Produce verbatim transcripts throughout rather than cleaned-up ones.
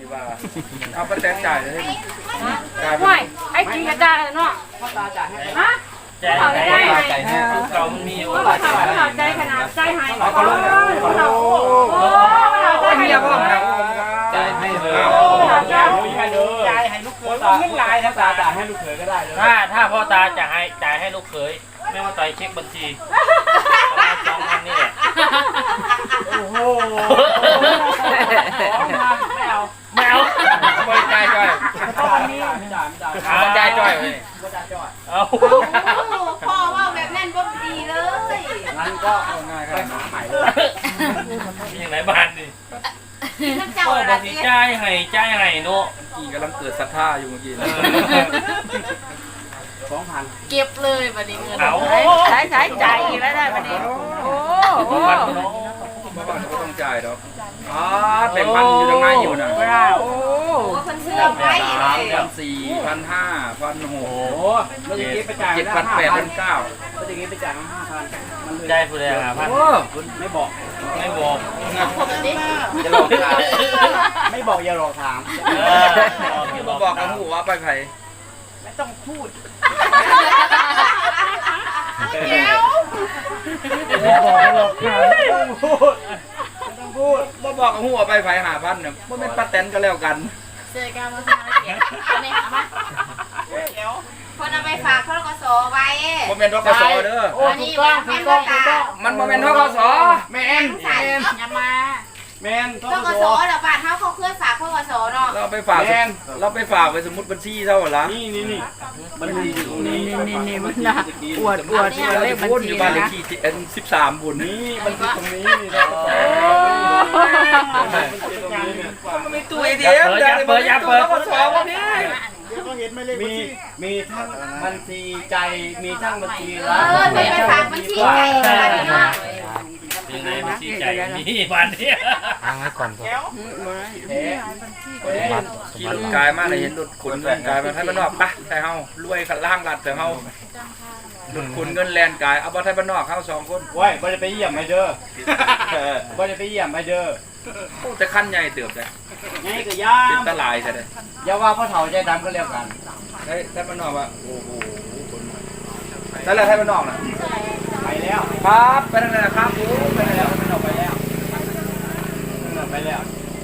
ที่ว่าเอาป้าแตนจ่ายเลยจ่ายไม่ไอ้จริงกระจายเนาะพ่อตาจ่ายให้ฮะจ่ายให้จ่ายให้เรามีอยู่ว่าจ่ายใจขนาดใจหายเขาเขาเขาโอ้ใจให้พ่อจ่ายให้เลยจ่ายให้เลยจ่ายให้ลูกเขยตาเงินลายถ้าตาจ่ายให้ลูกเขยก็ได้ถ้าถ้าพ่อตาจ่ายให้จ่ายให้ลูกเขยไม่ว่าต่อยเช็คบัญชีประมาณสองพันนี่แหละโอ้โหไม่เอาไม่เอาไม่จ่ายจ่อยไม่จ่ายไม่จ่ายไม่จ่ายจ่อยเลยไม่จ่ายจ่อยเอาพ่อว่าแบบนั้นก็ดีเลยงั้นก็เอาง่ายครับใหม่เลยมีอย่างไรบ้านดิเจ้าอะไรนี่จ่ายให้จ่ายให้เนาะกี่กำลังเกิดศรัทธาอยู่เมื่อกี้สองพันเก็บเลยบัดนี้เงินใช้ใช้จ่ายอีกแล้วได้บัดนี้โอ้โหบ้านก็ต้องจ่ายดอกอ๋อแบ่งพันอยู่ตรงไหนอยู่น่ะโอ้พันเชื่อไปสามพันสี่พันห้าพันหกเจ็ดพันแปดพันเก้าเมื่อกี้ไปจ่ายห้าพันได้ผู้ใดหาพันไม่บอกไม่บอกอย่าหลอกถามไม่บอกอย่าหลอกถามมาบอกกับหูว่าไปไผ่ไม่ต้องพูดเดี๋ยวไม่บอกอย่าหลอกถามไม่ต้องพูดไม่ต้องพูดมาบอกกับหูว่าไปไผ่หาพันเนี่ยมันเป็นป้าแตนก็แล้วกันเจอกันมาสมาเก็บเอาไหมเอาไหมเดี๋ยวคนเอาไปฝากเขาก็สอไว้โมเมนต์ทกศเด้อโอ้ถูกต้องถูกต้องถูกต้องมันโมเมนต์ทกศแมนแมนอย่ามาแมนทกศเดี๋ยวบ้านเขาเขาเคลื่อนฝากทกศเนาะเราไปฝากเราไปฝากไปสมมติบัญชีเท่าไหร่ละนี่นี่นี่บัญชีอยู่ตรงนี้นี่นี่มันน่ะอวดอวดเลขบัญชีอยู่บ้านเลขที่เอ็นสิบสามบุญนี่บัญชีตรงนี้นี่นะมีตัวเดียวอย่าเปิดอย่าเปิดทกศวันนี้มีมีทั้งบัญชีใจมีทั้งบัญชีรักเออไปฝากบัญชีใจกันเนาะยังไงบัญชีใจนี่วันนี้ทางให้ก่อนก่อนขี่รถกายมาเลยเห็นรถขนเงินกายมาให้บ้านนอกปะแต่เฮารวยขัดล่างรัดแต่เฮารถขนเงินแลนกายเอาบ้านไทยบ้านนอกเข้าสองคนว้ยบ่ได้ไปเยี่ยมไอเด้อบ่ได้ไปเยี่ยมไอเด้อโอ้แต่ขั้นใหญ่เติบเลยใหญ่ก็ยาเป็นตลายใช่ไหมอย่าว่าพ่อเฒ่าใจดำก็เรียกกันไทยไทยบ้านนอกว่าโอ้โหใช่แล้วไทยบ้านนอกนะไปแล้วครับไปทางไหนครับโอ้ไปแล้วไปแล้วไปแล้วไปแล้ว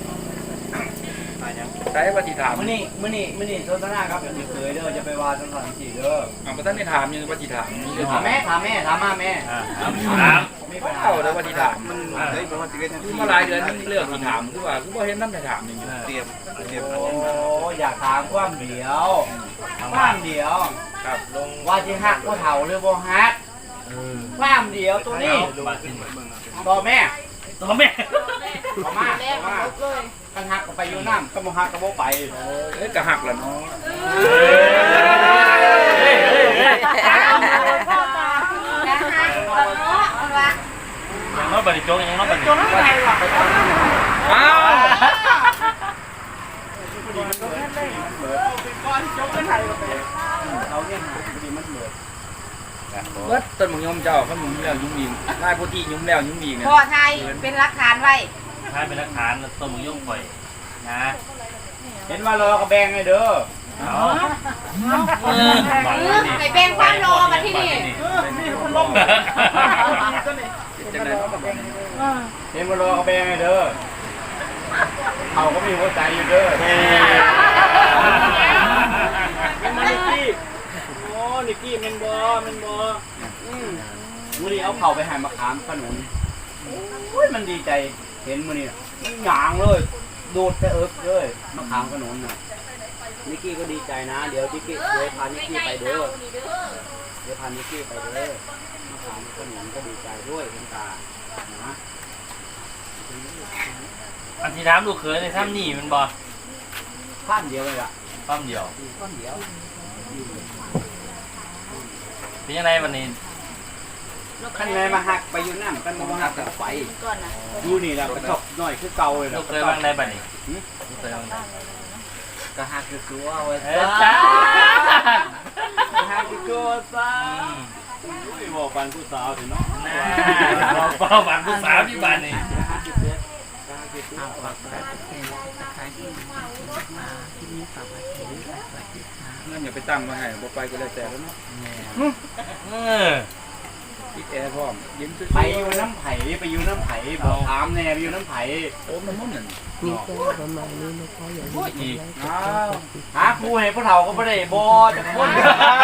ใช้ปฏิถามมื้อนี้มื้อนี้มื้อนี้โซนนาครับอย่าเคยเด้อจะไปว่าจังซั่นสิเด้ออ่าบ่ทันได้ถามยังปฏิถามมีเรื่องถามแม่ถามแม่ถามมาแม่ถามถามไม่ไปเอาเด้อปฏิถามมันเฮ้ยมันสิเฮ็ดทันทีมาหลายเดือนเรื่องที่ถามคือว่าคือบ่เห็นนำได้ถามนี่เตรียมเตรียมโอ้อยากถามความเดียวความเดียวครับลงว่าสิฮักบ่เฒ่าหรือบ่ฮักความเดียวตัวนี้ต่อแม่ต่อแม่ต่อมาต่อมากันหักก็ไปอยู่น้ำก็บ่หักก็บ่ไปเอ้ยก็หักล่ะเนาะเฮ้ยเฮ้ยเฮ้ยพ่อตาจะหักบ่เนาะว่ายังน้อยบัดนี้โจ๊กยังน้อยบัดนี้โจ๊กอะไรวะอ้าวเบิดต้นมะยมเจ้าเขาหนุ่มแล้วยุ่งยิงนายพุทธิยุ่งแล้วยุ่งยิงเนี่ยพ่อไทยเป็นหลักฐานไว้ใช่เป็นหลักฐานต้นมะยมข่อยนะเห็นว่ารอกระแบงไงเด้อเอาไปแบ่งความรอมาที่นี่เห็นว่ารอกระแบงไงเด้อเขาก็มีหัวใจอยู่เด้อเป็นมานิกี้โอ้นิกี้มันบอมันบอมื้อนี้เอาเข่าไปหายมะขามขนุนโอ้ยมันดีใจเห็นมื้อนี้มันหยางเลยดูดแต่เอิบเลยมะขามขนุนน่ะนิกกี้ก็ดีใจนะเดี๋ยวนิกกี้เดี๋ยวพานิกกี้ไปเด้อเดี๋ยวพานิกกี้ไปเด้อมะขามขนุนก็ดีใจด้วยคุณตานะอันที่ถามลูกเขยในถ้ำนี่มันบ่ข้ามเดียวเลยอ่ะข้ามเดียวข้ามเดียวเป็นยังไงวันนี้ขั้นไหนมาหักไปอยู่น้ำกันมาหักกับไฟดูนี่แหละกระทบหน่อยคือเก่าเลยนะลูกเคยบ้างได้บัดนี้ลูกเคยบ้างกระหักคือตัวเว้ยจ้าหักคือตัวซะบอกปันผู้สาวถึงเนาะบอกปันผู้สาวที่บ้านนี่หักคือตัวหักคือตัวข่าวฝากกดติดตามนะคะที่มาที่นี่ฝากไว้ที่นี่สวัสดีค่ะงั้นอย่าไปตั้งมาให้บ่ไปก็แล้วแต่แล้วเนาะเออติดแอร์พร้อมยิ้มซื่อไปอยู่น้ำไผ่ไปอยู่น้ำไผ่บอกถามแน่ไปอยู่น้ำไผ่โอ้มันมุ่นนั่นมีแค่ประมาณนี้นะคะอย่าลืมกดไลค์กดแชอ้าร์วกดติดหาครูให้พวกเราก็ไม่ได้บอจะพูด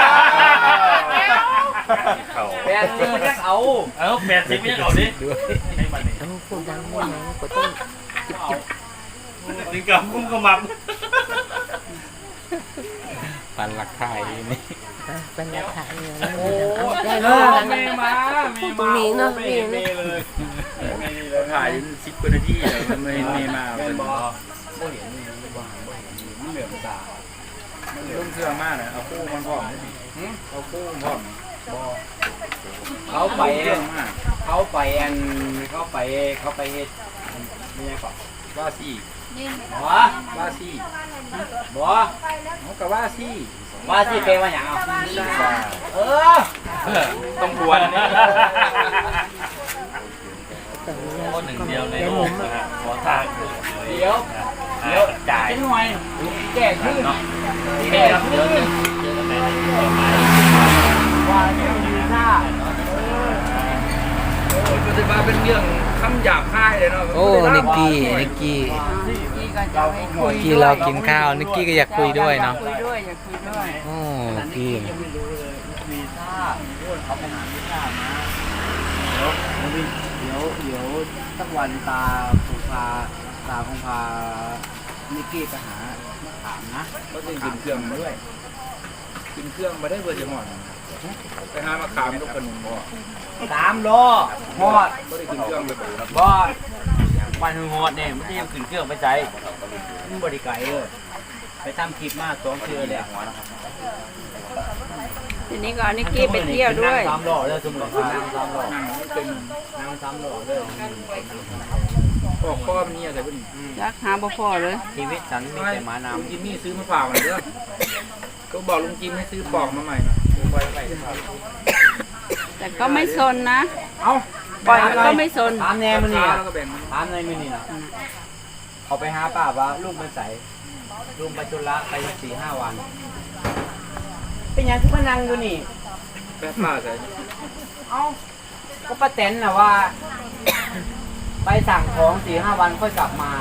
แปดสิบมันยังเอาเอาแปดสิบยังเอาดิให้บัดนี้เอาพูดดังได้ไหมก็ต้องจิบจิบถึงกับกุ้งกระมับปันหลักไทยนี่เป็นราคาเงินโอ้ได้เอเลอย เมย์มาเมย์มาเนาะเมย์เมย์เลยเมย์เลยถ่ายสิบกว่านาทีเลยมันไม่ไม่มาเมเป็นย์บอบ่เห็นนี่บ่เห็นบ่เห็นมันเหลือมตาเรื่องเครื่องมากนะเอาคู่มันพร้อมเอาคู่มันพร้อมเขาไปเครื่องมากเขาไปอันเขาไปเขาไปเฮ็ดไม่ใช่ก่อนว่าซี่บ่ว่าซี่บ่เขากับว่าซี่ว่าสิเป็นว่าหยังเอาเออต้องบวนนี่คนหนึ่งเดียวในโลกนะฮะขอทางเดี๋ยวเดี๋ยวจ่ายเป็นหน่วยแก้ขึ้นเนาะแก้ครับขึ้เดี๋ยวน เจอกันใหม่ในต่อไปว่าเดี๋ยวดีซ่าโอ้ยมันจะมาเป็นเรื่องคำหยาบคายเลยเนาะโอ้นิกกี้นิกกี้นี่ก็จะให้คุยนิกกี้เรากินข้าวนิกกี้ก็อยากคุยด้วยเนาะคุยด้วยอยากคุยด้วยโอ้นิกกี้ยังไม่รู้เลยวีซ่าเขาไปหาวีซ่ามาเดี๋ยวเดี๋ยวเดี๋ยวสักวันตาคงพาตาคงพานิกกี้ไปหาถามนะก็จะกินเครื่องมาด้วยกินเครื่องมาได้เบอร์จะหมดไปหามาขามทุกคนบ่สามโลหอดก็ได้กินเครื่องไปบ่ครับบอดวันหงอดเนี่ยไม่ได้ยังขึ้นเครื่องไปใจมันบริไกลเลยไปทำคลิปมากสองเชื่อเลยทีนี้ก็เอานิกกี้ไปเที่ยวด้วยนั่งสามล้อเลยสมมตินั่งสามล้อนั่งเป็นนั่งสามล้อเลยปอกข้อมันนี่อะไรพวกนี้รักหาบ่พอเลยชีวิตฉันมีแต่หมาลุงน้ำจิมมี่ซื้อมาฝากมันเด้อก็บอกลุงจิมให้ซื้อปอกมาใหม่นะไว้ไว้ครับแต่ก็ไม่ซนนะเอ้าปล่อยมันก็ไม่ซนถามแน่มันนี่แล้วก็แบ่งมันถามในมันนี่นะเขาไปหาป้าว่าลูกมันใสลูกไปจุฬาไปสี่ห้าวัน เป็นยังที่มานั่งอยู่นี่แป๊บป้าใส่เอ้าก็ป้าแตนนะว่า ไปสั่งของสี่ห้าวันค่อยกลับมา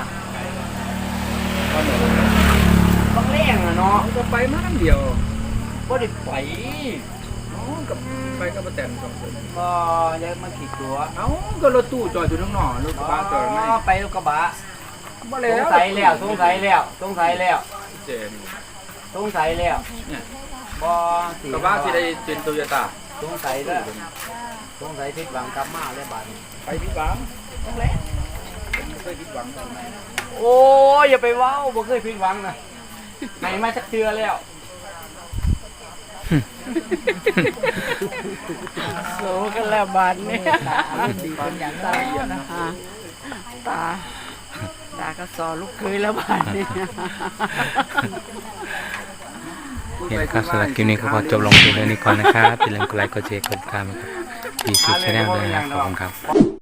ต้องเร่งอะเนาะก็ไปมาทั้งเดียวก็ได้ไปอ๋อกับไปกับป้าแตนสองคนก็ยังมาขี่ตัวเอ้าก็รถตู้จอดอยู่ข้างนอกรถกระบะจอดไม่ไปรถกระบะบ่สแล้งวสัยแล้วสงสัยแล้วสงสัยแล้วเจนสงสัยแล้วเนี่ยบ่กระบะสิได้เป็นโตโยต้าสงสัยแล้วสงสัยผิดหวังกลับมาแล้วบาดนี้ไปผิดหวังต้องแล้วผมไม่เคยผิดหวังตรงไหนโอ้ยอย่าไปเว้าบ่เคยผิดหวังนะไหนมาสักเทื่อแล้วโซกันแล้วบาดนี้ดีเป็นอย่างไรนะคะตาตาก็สอลูกเคยแล้วบาดนี้เห็นครับสำหรับคลิปนี้ก็พอจบลงเพียงเท่านี้ก่อนนะครับอย่าลืมกดไลค์กดแชร์กดติดตามนะครับดีซีชาแนลด้วยนะครับขอบคุณครับ